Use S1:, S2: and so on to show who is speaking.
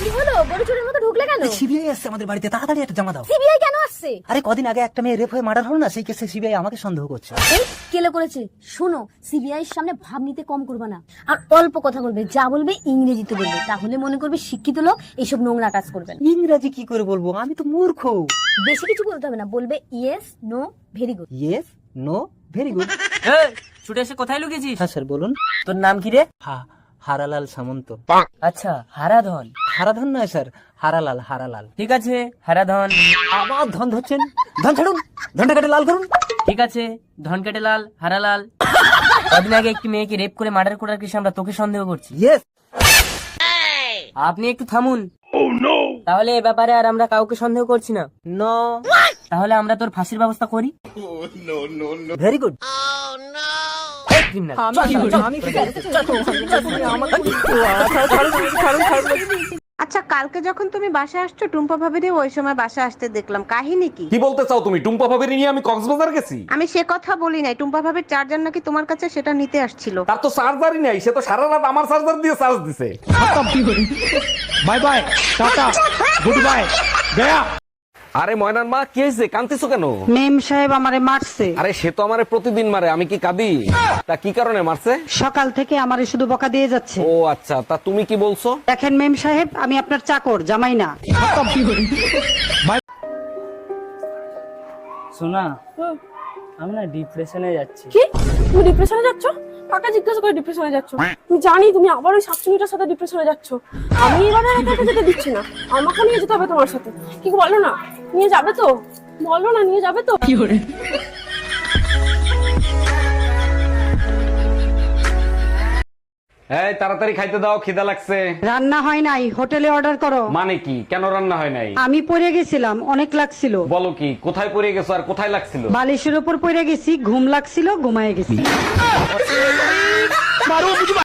S1: কি হলো? গরু চোরের মতো ঢুকলে কেন?
S2: সিবিআই আসছে আমাদের বাড়িতে, তাড়াতাড়ি একটা জমা দাও।
S1: সিবিআই কেন আসছে?
S2: আরে কদিন আগে একটা মেয়ে রেপ হয়ে মার্ডার হলো না, সেই কেসে সিবিআই আমাকে সন্দেহ করছে।
S1: এই কেলে করেছে? শোনো, সিবিআই এর সামনে ভাব নিতে কম করবে না, আর অল্প কথা বলবে, যা বলবে ইংরেজিতে বলবে, তাহলে মনে করবে শিক্ষিত লোক এইসব নোংরা কাজ করবে না।
S2: ইংরেজি কি করে বলবো, আমি তো মূর্খ।
S1: বেশি কিছু বলতে হবে না, বলবে yes no very good.
S2: Yes no very good.
S3: ছুটে এসে কোথায় লুকিয়েছিস?
S2: হ্যাঁ স্যার বলুন।
S3: তোর নাম কি রে?
S2: হারালাল সামন্ত।
S3: আচ্ছা, হারাধন।
S2: হারাধন নয় স্যার, হারালাল, হারালাল।
S3: ঠিক আছে, হারাধন।
S2: আবার ধন ধরছেন, ধন ছাড়ুন, ধনটা কেটে লাল করুন।
S3: ঠিক আছে, ধন কেটে লাল, হারালাল। কদিন আগে একটি মেয়েকে রেপ করে মার্ডার করার কেসে আমরা তোকে সন্দেহ করছি।
S2: ইয়েস।
S3: আপনি একটু থামুন। তাহলে এ ব্যাপারে আর আমরা কাউকে সন্দেহ করছি না।
S2: নো।
S3: তাহলে আমরা তোর ফাঁসির ব্যবস্থা করি।
S2: Very good.
S4: আচ্ছা, কালকে যখন তুমি বাসা আসছো টুম্পা ভাবিরে ওই সময় বাসা আসতে দেখলাম, কাহিনী কি?
S5: কি বলতে চাও তুমি? টুম্পা ভাবির নিয়ে আমি কক্সবাজার গেছি?
S4: আমি সে কথা বলি নাই, টুম্পা ভাবির চার্জার নাকি তোমার কাছে, সেটা নিতে আসছিল।
S5: তার তো চার্জারই নাই, সে তো সারা রাত আমার চার্জার দিয়ে চার্জ দিছে। Bye bye, tata, good bye, গয়া। আরে ময়নার মা, কি হয়েছে? কাঁদতেছো কেন?
S4: মেম সাহেব আমারে মারছে।
S5: আরে সে তো আমারে প্রতিদিন মারে, আমি কি কাঁদি? তা কি কারণে মারছে?
S4: সকাল থেকে আমারে শুধু বকা দিয়ে যাচ্ছে।
S5: ও আচ্ছা, তা তুমি কি বলছো?
S4: দেখেন মেম সাহেব, আমি আপনার চাকর, জামাই না।
S3: শোনা, আমি না ডিপ্রেশনে যাচ্ছি।
S6: কি? তুমি ডিপ্রেশনে যাচ্ছ? কাকা জিজ্ঞাসা করে ডিপ্রেশনে যাচ্ছ? তুমি জানি তুমি আবার ওই শাকচুনিটার সাথে ডিপ্রেশনে যাচ্ছ। আমি এবারে একা যেতে দিচ্ছি না, আমাকে নিয়ে যেতে হবে তোমার সাথে। কি বলো না, নিয়ে যাবে তো? বলো না, নিয়ে যাবে তো? কি করে?
S5: এই তাড়াতাড়ি খাইতে দাও, খিদা লাগছে।
S4: রান্না হয় নাই, হোটেলে অর্ডার করো।
S5: মানে কি? কেন রান্না হয় নাই?
S4: আমি পড়ে গেছিলাম, অনেক লাগছিল।
S5: বলো কি? কোথায় পড়ে গেছো আর কোথায় লাগছিল?
S4: বালিশের উপর পড়ে গেছি, ঘুম লাগছিল, ঘুমায় গেছি।